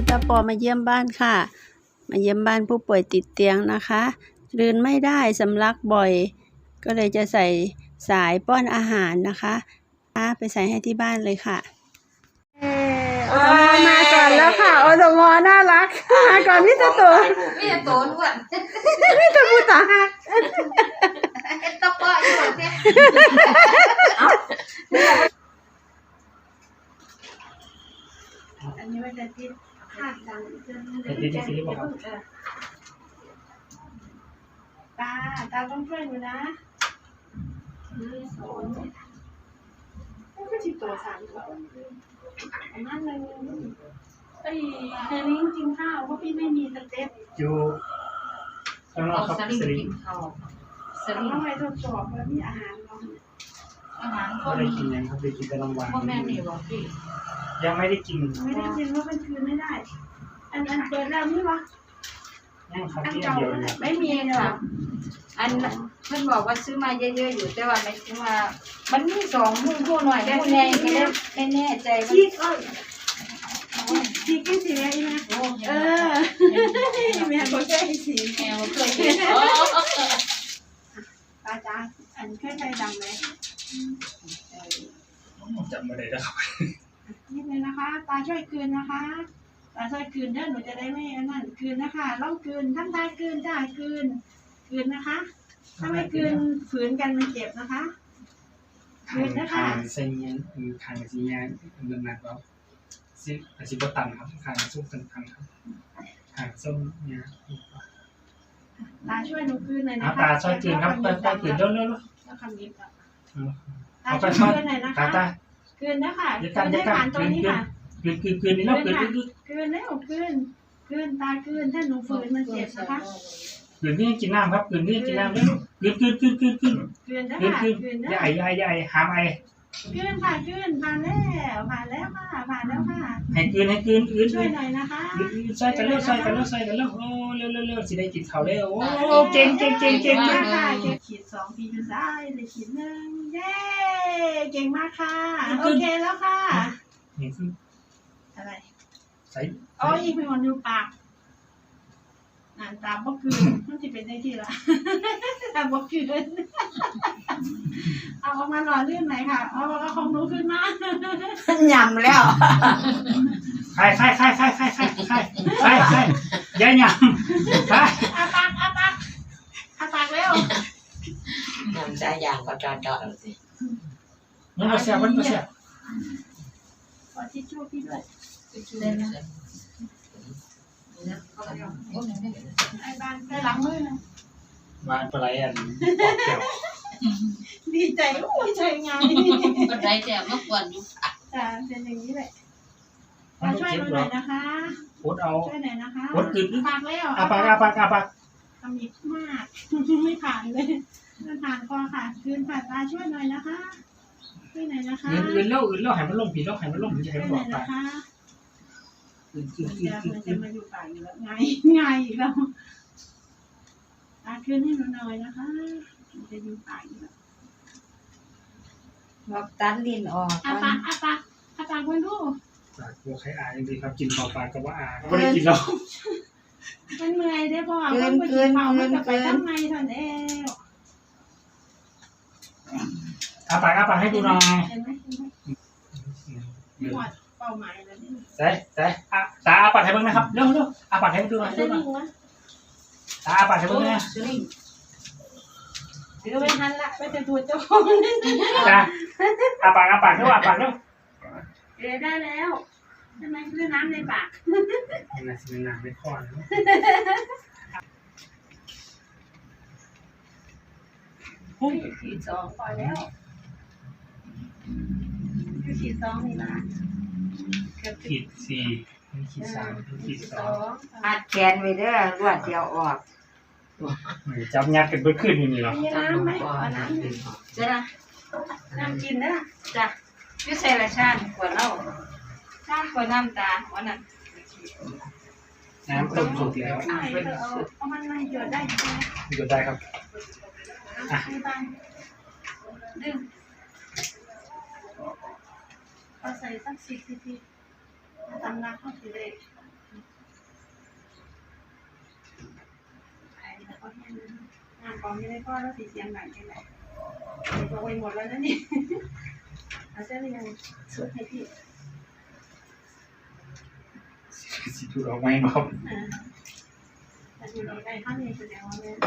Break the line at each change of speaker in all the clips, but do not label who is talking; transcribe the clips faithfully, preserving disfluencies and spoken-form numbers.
ตาปอมาเยี่ยมบ้านค่ะมาเยี่ยมบ้านผู้ป่วยติดเตียงนะคะลืนไม่ได้สำลักบ่อยก็เลยจะใส่สายป้อนอาหารนะคะไปใส่ให้ที่บ้านเลยค่ะอสมมาก่อนแล้วค่ะอสมน่ารักมาก่อนพี่ตะโต
พี่ตะโตนวด
พี่ตะพูตาหัก
ตะปออยู่เนี่ย
อันนี้มันจะติดขาดดังจะ
ติดที่ซีบอก
ตาตาต้องช่วยหนูนะสอนก็จิตตัวสามตัวอันนั้นเลยไอ้เฮลิงกินข้าวเพราะพี่ไม่มีสเต็ป
อยู่ข้างนอกครับสลิง
สลิงทำไมทดสอบแล้วมีอาหารเรา
อาหาร
ก็ได้กินยังครับได้กินแต่รางวัล
พ่อแม่นี่บอกพี่
ยังไม่ได้กิน
ไม่ได้กินว่ามันคืนไม่ได้อันอันเปิดแล้วนี่วะ
ยังครับที่เดียวนะ
ไม่มีค่ะอันเพื่อนบอกว่าซื้อมาเยอะๆอยู่แต่ว่าไม่ซื้อมามันมีสองหุ้นคู่หน่อยได้แน่ไม่ได้ไม่แน่ใจว่า
ชีกเอ้ยชีกกี่สีอะไรนะเออแม่ก็ใช่สี
แมวเคย
ตาจ้าอันเคยใจดำไหม
จำไม่ได้แล้วครับ
นิดนึงนะคะตาช่วยคืนนะคะตาช่วยคืนเด้อหนูจะได้ไม่อันนั้นคืนนะคะล่องคืนทั้งตาคืนจ้าคืนคืนนะคะถ้าไม่คืนฝืนกันมันเจ็บนะคะคืนนะคะ
ทางเส้นนี้ทางสีนี้เดินหนักแล้วสิสิบตันครับทางส้มตันทางครับทางส้มเนี่ย
ตาช่วยหนูคืนหน่อยนะคะ
ตาช่วยคืนครับตาคืนเร็วเร็ว
แล้วคำนี้ค่ะ
ตาช่วยคืน
หน่อยนะคะคืนนะคะคืนให้ผ่านตรงนี้ค่ะ
คืนคืนคืนนี่แล้วคืนคืน
คืนแล้วคืนคืนตาคืนถ้าหนูฝืนมันเจ็บนะคะ
คืนนี่กินน้ำครับคืนนี่กินน้ำแล้วคืนคืนคืนคืนคืน
คืนนะคะคืน
ใหญ่ใหญ่ใหญ่หามไอ
คืนค่ะคืนผ่านแล้วผ่านแล้วค่ะผ่านแล้วค่ะ
ให้คืนให้คืนคืน
ช่วยหน่อยนะคะ
ช่วยกันเร็วช่วยกันเร็วช่วยกันเร็วโอ้เร็วเร็วเร็วสิได้กินข้าวเร็วโอ้เก่งเก่งเก่งเก่ง
มากค่ะเก่งขีดสองปีจุดได้เลยขีดหนึ่งเย้เก่งมากค่ะโอเคแล้วค่ะ
นี่คือ
อะไร
ใส่
อ๋ออีกเป็นวันดูปากอ่านตามบ่คืนมันจะเป็นได้ที่ละตามบ่คืนเอาออกมาหล่อลื่นไหนค่ะเอาเอาของหนูขึ้นมา
หยำแล้ว
ใครใครใครใครใครใครใครใครใครยัยหยำใคร
อาปากอาปากอาปากเร็ว
หยำใจอย่างก็จอดจอดเอาสิ
มันมาเสียมันมาเสีย
ขอทิชชู่พี่ด้วย
เล่นนะ
ไอ้บ้านไปหลังมือนะ
บ้านปลายอันปอกแก้ว
ดีใจโอ้ยใจงาน
ก็ได้แต่เมื่อก่อนอยู่
จ้าเป็นอย่างนี้แหละมาช่วยหน่อยนะคะ
พดเอา
ช่วยหน่อยนะคะ
พดกึ่ง
ปากแล้ว
อาปากอาปากอาปาก
ทำอีกมากไม่ผ่านเลยไม่ผ่านคอค่ะคืนผ่านตาช่วยหน่อยนะคะช่วยหน่อยนะคะ
อื่นเล่าอื่นเล่าให้มันลงผีเล่าให้มันลงผีจะให้มันบอกไป
คือคือคือคือจะมาอยู่ป่าอยู่แล้วไงไงอีกแล้วตาขึ้นให้หนูหน่อยนะคะจะอยู่ป่าอยู่แล้ว
บอกตัดลิ้นออก
อาปากอาปากอาปากคนดู
ปากตัวใครอาจริงๆครับกินข้าวปลากับว่าอาไม่ได้กินแล้ว
มันเมื่อยได้บ่ต้องไปกินข้าวมันจะไปทำไมท่านเอว
อาปากอาปากให้ดูหน่อย
เห็นไหมเห็นไหมหมดเป้าหมายแล้วนี่
ใส่ใส่อาตาอาปากให้เบิ่งนะครับเร็วเร็วอาปากให้ดูหน่อยดูหน่อยตาอาปากให้เบิ่งนะ
เดี๋ยวไปหันละไปจะตัวโจ้
จ้าอาปากอาปากเร็วอาปากเร็ว
เดี๋ยวได้แล้วทำไมคือน้ำในปาก
น่าจะเป็นน้ำในคอนะ
หุ้ยขีดสองพอแล้วคือขีดสองนี่นะ
ขีดสี่ขีดสามขีดสอง
อัดแขนไว้เด้อรวดเดียวออก
จับยัดกันเพื่อขึ้นอย่างนี้หรอ
น้ำไหมน้ำ
จะนะ
น้ำกินนะ
จ้ะพี่ใส่ละชาขวดเหล้าชาขวดน้ำตาวันนั้น
น้ำต้มสุกแล้ว
เอามันมาหยดได้ใช่ไหม
หยดได้ครับ
อ่ะดึงเอาใส่สักสิบซีซีตำน้ำเข้าไปเลยก็แห้งนะคะน้ำกองไม่ได้พ่อแล้วสีเสียงหนักแค่ไหนโรยหมดแล้วนะนี่เอาเส้นยังสุดให้พี่
สิถูกออกไหมครับ
อ่าแต่อยู่ในใกล้ข้างนี้แสดงว่าเนี่ย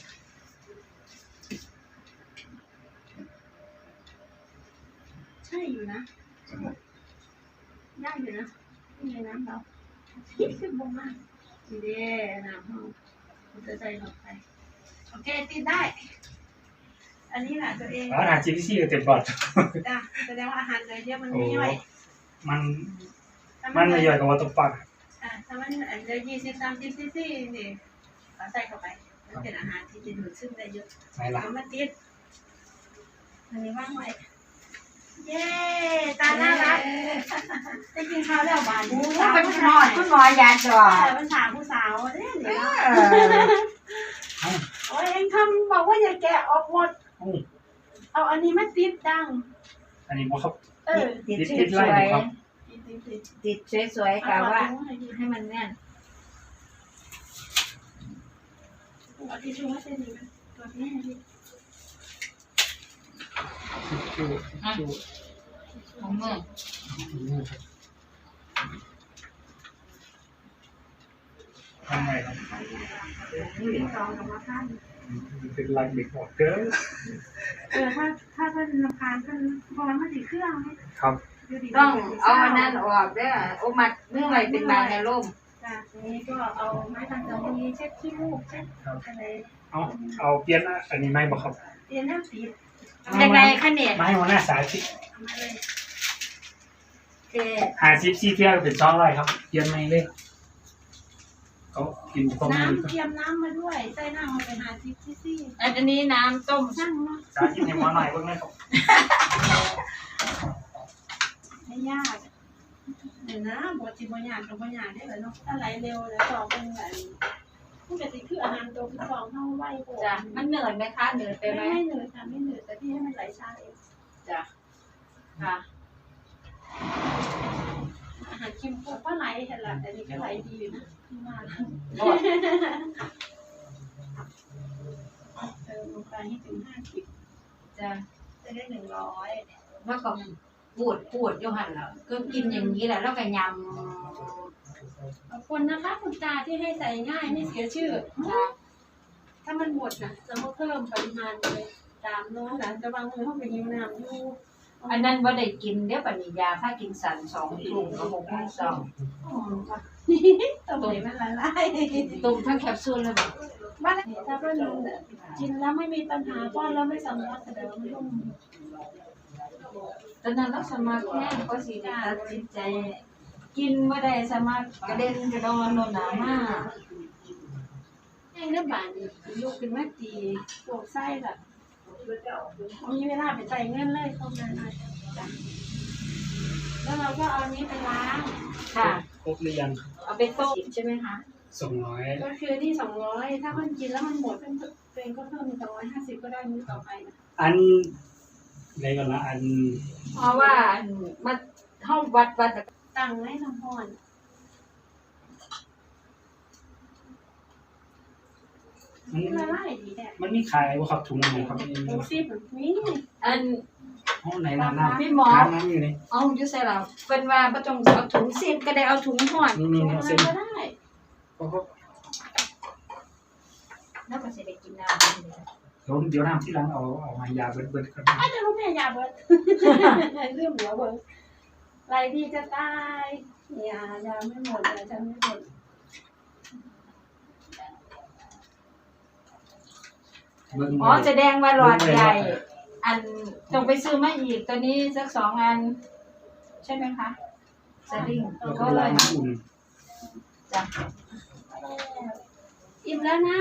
ใช่อยู่นะยากอยู่นะนี่ไงน้ำเราขึ้นบงมากดีเด้น้ำห้องจะใจหลอดไปโอเคติดได้ อันนี้แหละตัวเอง
อาหารจีพีซีก็เต็มบอด
จ้ะแสดงว่าอาหารเลยเยอะมัน
โอ้
ไม่ย่อย
มัน
ถ้า
มันไม่ย่อยกับว่าต้องปัก
อ่าถ้ามันอันเดียวยี่สิบสามสิบซีซีนี่เราใส่เข้าไปมันเป็นอาหารที่จะดูดซึมได้เยอะ
ไหนล่ะ
เอามาติดอันนี้ว่างไว้เย้ตาน่ารักได้กินข้าวแล้วหวาน
โอ้
ผู้สาว
เป็น
ผู้
หมอ
ชาย
คุณหมอยาจอ
เอ
ด
อเป็นสาวผู้สาวเนี่ยเดี๋ยว
เออ
โอ้ยเองทำบอกว่าอย่าแกะออกหมด
อืม
เอาอันนี้มาติดดัง
อันนี้บ่ครับ
เออ
ติด
ติด
ส
ติดไล่
วย
ครับ
ติดติดติด
ๆติดสวยๆกะว่าให้มันแน่น
เอาทิชชู่มาเส้นนี้มันตัวนี้ให้พี่
ชูชู
ของมือ
ทำไงครับ
เป็นซองกับมะพร้าว
เป็นลายเด็กหมดเด้อ
เออถ้าถ้าเป็นลำพานเป็นบอลมาสีเครื่องไหม
ครับ
ต้องเอาอันนั้นออกเด้อโอ้มัดเมื่อไหร่เป็นบางในร่ม
จ้ะทีนี้ก็เอาไม้ทางจมูกเช็ดขี้มูกเช็ดอะไร
เอาเอาเปลี่ยนอันนี้ไม่บ่ครับ
เตียนน้ำสี
ยังไงคะเนี่ย
ไม้หัวหน้าสายที่
เอามาเลย
เจ
หาซิปซีเที่ยวเป็นช่องไรครับเปลี่ยนไม่เลยเขากินความ
น้ำ
มือ
เตรียมน้ำมาด้วยใส่น้ำมาไปหาซิปซี่ซี่
อันนี้น้ำต้ม
ช่างเนาะ
สาธิตให้หมอหน่อยเบิ่งเลยครับ
ไม่ยากเดี๋ยวนะบทจิบยากกับบยากได้เลยเนาะถ้าไหลเร็วแล้วสอบเป็นแบบผู้กติคืออาหารตัวคือสองเท่าไหวโก
จ้ะมันเหนื่อยไหมคะเหนื่อยไป
ไม่
ไหม
ไม่เหนื่อยค่ะไม่เหนื่อยแต่ที่ให้มันไหลช้าเอง
จ้ะค่ะ
อาหารคิมโคก็ไหลเห็นละแต่นี่ก็ไหลดีอยู่นะที่มาเติมลงไปให้ถึงห้าสิบ
จ้ะ
จะได้หนึ่งร้อย
แล้วก็ปูดปูดอยู่หันแล้วก็กินอย่างนี้แหละแล้วก็ย
ขอบคุณนะคะคุณตาที่ให้ใส่ง่ายไม่เสียชื่อ
ำจ้ะ
ถ้ามันหมดนะจะมาเพิ่มปริมาณเลยตามโน้นหลังจะวางมือเข้าไปยิ้วน้ำอยู่
อันนั้นว่าได้กินเดี๋ยวปัญญาถ้ากินสันสองถุงก็หกพันสอง
ต้มไหนมันละลาย
ตุ่มทั้งแคปซูลเลยแบบ
บ้านถ้าเป็นกินแล้วไม่มีปัญหาป้อนแล้วไม่สำลักแสดงว่าไม่ต้อง
ตอนนั้นเราสมัครแน่ก็สิได้ตัดสินใจ กินว่าได้สมัครกระเด็นกระดอนโนหนามาก
แห้งเนื้อบานลูกเป็นแม่ตีปวดไส้แบบมีเวลาไปใส่เงินเลยเข้ามาหน่อยแล้วเราก็เอานี้ไปล้าง
ค่ะ
ครบหรือยัง
เอาไปต้มใช่ไหมคะ
สองร้อย
ก็คือที่สองร้อยถ้ามันกินแล้วมันหมดเป็นตัวเองก็เพิ่มเป็นสองร้อยห้าสิบก็ได้มื้อต่อไปนะ
อันในก่อนละอัน
เพราะว่ามันห้องวัดวัด
ตั้งไว้น้ำพร
มัน
ละลายดีแท้
มันมีขายบ่ครับถุงนึงครับ
หมูซีบนี่
อัน
ห้องไหนน้ำน้ำ
พี่หมอ
น้ำน้ำอยู่นี่
เอาอยู่ใส่เราเป็นว่าประจงเอาถุงซีบก็ได้เอาถุงห่อน
นี่นี่นี่
อะไร
เส้น
ก็ได้
ก็ก็
แล้วก็จะได้กินน้ำ
เดี๋ยวเดี๋ยวน้ำที่ร้านเอาเอามายาเบิดเบิดครับ
อาจจะรู้แม่ยาเบิดเรื่องหัวเบิดไรดีจะตายยายาไม่หมดยาจะไม่หมด
เบิ่ง
อ๋อแสดงว่าหลอดใหญ่ อันต้องไปซื้อมาอีกตัวนี้สักสองอัน ใช่ไหมคะสลิง
แล้ว
ก็
ก็
เล
ลาย ยน้ำอุ่น
จ้ะ
อิ่มแล้วนะ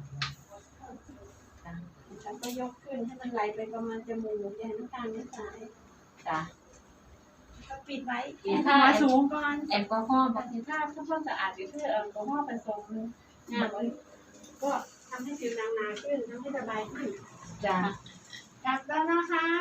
ฉันก็ยกขึ้นให้มันไหลไปประมาณจมูกยันน้ำตาลไม่สาย
จ้ะ
ก็ปิดไว้
ปิด
ให้หัวสูงก่อน
แอลกอฮอล์
ปฏิภาพทำความสะอาดอยู่ที่แอลกอฮอล์ผสมน้ำก็ทำให้ผิวหนังหนาขึ้นทำให้สบายขึ้น
จ้ะ
กลับแล้วนะคะ